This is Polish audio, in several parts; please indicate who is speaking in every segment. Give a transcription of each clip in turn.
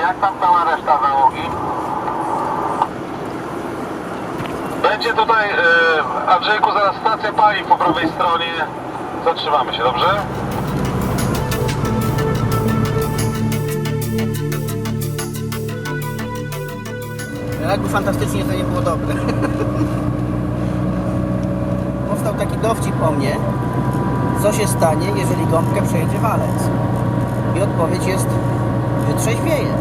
Speaker 1: jak tam cała reszta załogi? Będzie tutaj, Andrzejku, zaraz stacja paliw po prawej stronie. Zatrzymamy się, dobrze?
Speaker 2: Jakby fantastycznie to nie było dobre. Powstał taki dowcip o mnie, co się stanie, jeżeli gąbkę przejedzie walec. I odpowiedź jest: wytrzeźwieje.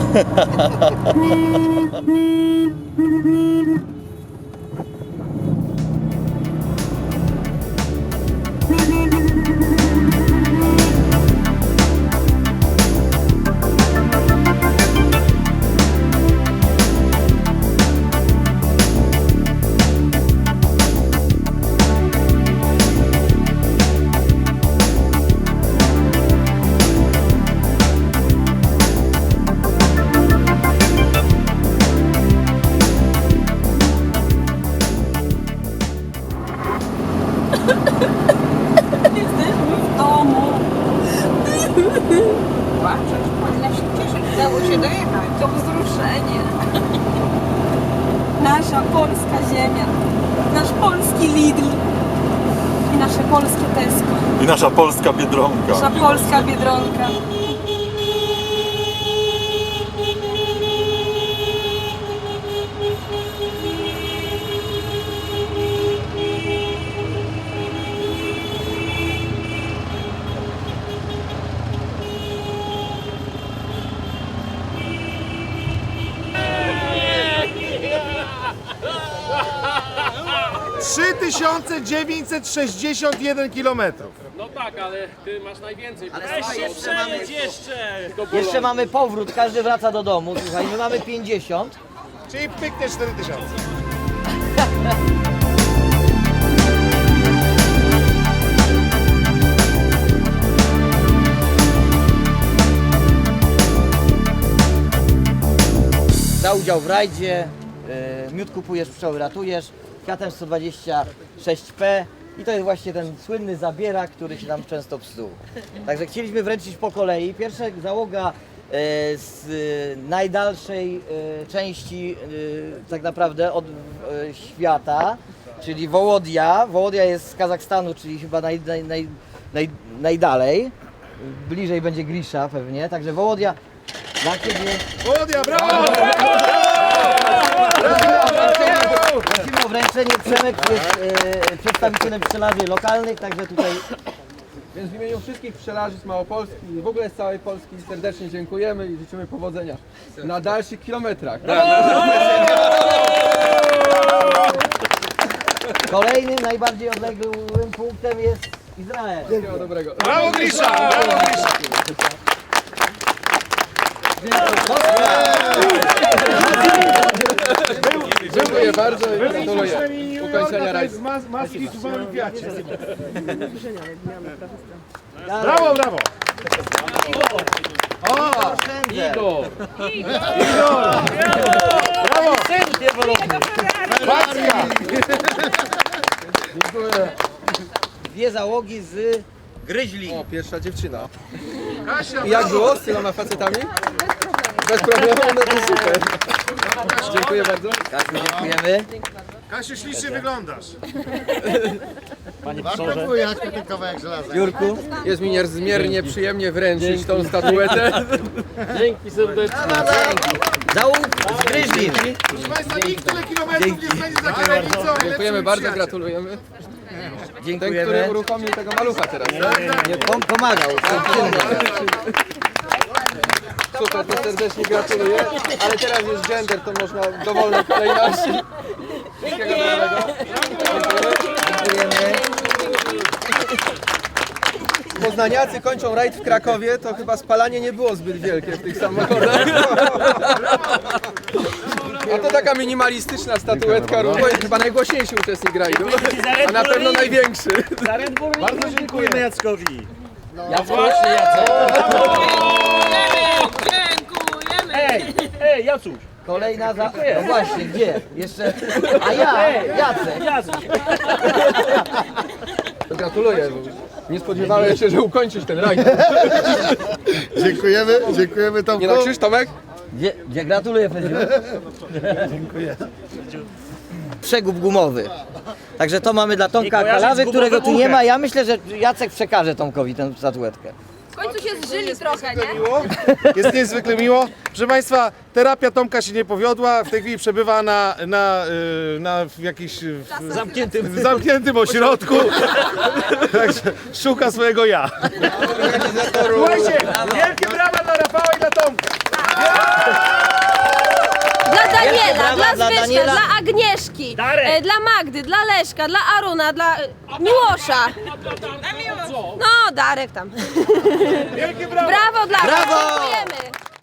Speaker 3: Jesteśmy w domu. Płaczesz, powinna się cieszyć. Udało się dojechać. To wzruszenie. Nasza polska ziemia. Nasz polski Lidl. I nasze polskie Tesco.
Speaker 4: I nasza polska Biedronka.
Speaker 3: Nasza polska Biedronka.
Speaker 5: Trzy 961 km.
Speaker 6: No tak, ale ty masz najwięcej.
Speaker 7: Jeszcze mamy powrót, każdy wraca do domu. Słuchaj, my mamy 50.
Speaker 5: Czyli pyknie 4000.
Speaker 7: Za udział w rajdzie, miód kupujesz, pszczoły ratujesz, Fiatem 126P i to jest właśnie ten słynny zabierak, który się nam często psuł. Także chcieliśmy wręczyć po kolei. Pierwsza załoga z najdalszej części tak naprawdę od świata, czyli Wołodia. Wołodia jest z Kazachstanu, czyli chyba najdalej. Bliżej będzie Grisza pewnie, także Wołodia dla Ciebie.
Speaker 5: Wołodia, brawo!
Speaker 7: Prosimy o wręczenie. Przemek jest przedstawicielem pszczelarzy lokalnych, także tutaj
Speaker 8: Więc w imieniu wszystkich pszczelarzy z Małopolski i w ogóle z całej Polski serdecznie dziękujemy i życzymy powodzenia na dalszych kilometrach.
Speaker 7: kolejnym, najbardziej odległym punktem jest Izrael.
Speaker 8: Wszystkiego dobrego.
Speaker 5: Brawo Grisza! Brawo Grisza!
Speaker 8: Dziękuję bardzo i gratuluję ukończenia rajdu.
Speaker 5: Z maski w małym Fiacie. Brawo, brawo!
Speaker 6: Igor!
Speaker 5: Brawo! Packa!
Speaker 8: Dziękuję.
Speaker 7: Dwie załogi z Gryźli.
Speaker 8: O, pierwsza dziewczyna. I jak było z tyloma facetami? Bez problemu, no to super. Dziękuję bardzo.
Speaker 7: Kasiu, dziękujemy.
Speaker 5: Kasiu, ślicznie wyglądasz.
Speaker 7: Jurku.
Speaker 8: Jest mi niezmiernie przyjemnie wręczyć tą statuetę.
Speaker 6: Dzięki serdecznie.
Speaker 7: Załóg z Gryźli.
Speaker 5: Proszę Państwa, nikt tyle kilometrów nie spędzi za kierownicą.
Speaker 8: Dziękujemy bardzo, gratulujemy. Ten,
Speaker 7: Dziękujemy.
Speaker 8: który uruchomił tego malucha teraz.
Speaker 7: Nie, pomagał.
Speaker 8: Super, to serdecznie gratuluję. Ale teraz jest gender, to można w dowolnej kolejności. Wszystkiego dobrego.
Speaker 7: Dziękujemy.
Speaker 8: Poznaniacy kończą rajd w Krakowie, to chyba spalanie nie było zbyt wielkie w tych samochodach. A to taka minimalistyczna statuetka, Rubo jest chyba najgłośniejszy uczestnik rajdu, a na pewno największy.
Speaker 4: Bardzo dziękujemy Jackowi.
Speaker 6: Właśnie, Jacek.
Speaker 9: Ej, Jacuś!
Speaker 7: Kolejna za... No właśnie, gdzie? Jeszcze... A ja, Jacek.
Speaker 8: Gratuluję. Nie spodziewałem się, że ukończysz ten rajd.
Speaker 5: Dziękujemy
Speaker 8: Nie nakrzyż, Tomek?
Speaker 7: Gdzie gratuluję, Fedziu. Dziękuję. Przegub gumowy. Także to mamy dla Tomka Kalawy, którego tu nie ma. Ja myślę, że Jacek przekaże Tomkowi tę statuetkę.
Speaker 3: W końcu się zżyli trochę, nie?
Speaker 5: Jest niezwykle miło. Proszę Państwa, terapia Tomka się nie powiodła. W tej chwili przebywa w jakimś zamkniętym ośrodku. Także szuka swojego ja. Słuchajcie, wielkie brawa dla Rafała i dla Tomka.
Speaker 3: Dla Daniela,
Speaker 7: brawa
Speaker 3: dla
Speaker 7: dla
Speaker 3: Zbyszka,
Speaker 7: Daniela.
Speaker 3: dla Agnieszki, dla Magdy, dla Leszka, dla Aruna, dla Miłosza. No, Darek tam.
Speaker 5: Wielkie brawa.
Speaker 3: Brawo dla was,
Speaker 7: Brawo!
Speaker 3: dziękujemy.